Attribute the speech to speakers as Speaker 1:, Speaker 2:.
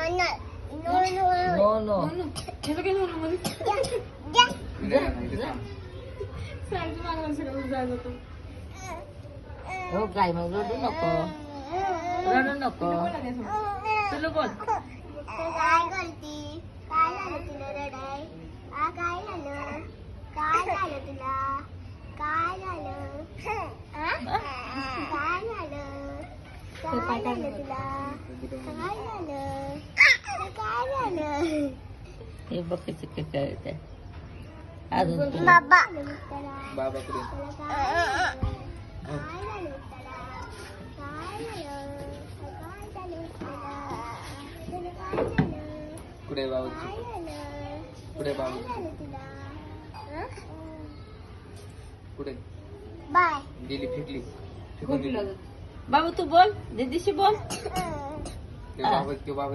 Speaker 1: No no
Speaker 2: ह्याचं काय झालं मध्ये साईड मागला सगळं जायचं होतं.
Speaker 1: हो काय मग रडू नको
Speaker 2: बोला द्या थोडं.
Speaker 1: तुला बोल
Speaker 3: काय करती? काय झालं तुला रडाय? काय झालं? काय झालं तुला? काय झालं? काय झालं? काय झालं तुला? काय झालं? काय झालं?
Speaker 1: हे बघ कशी काय अजून तू.
Speaker 3: बाबा
Speaker 4: बाबाकडे
Speaker 3: काय झालं तुला? काय झालं? काय झालं तुला? काय झालं?
Speaker 4: कुठे बाबा
Speaker 3: काय झालं?
Speaker 4: कुठे
Speaker 3: काय
Speaker 4: बाबा
Speaker 3: झालं तुला?
Speaker 4: कुठे
Speaker 3: बाय
Speaker 4: गेली फेकली फेकून दिली
Speaker 1: बाबू तू बोल दीदीशी बोल
Speaker 4: ते बाबा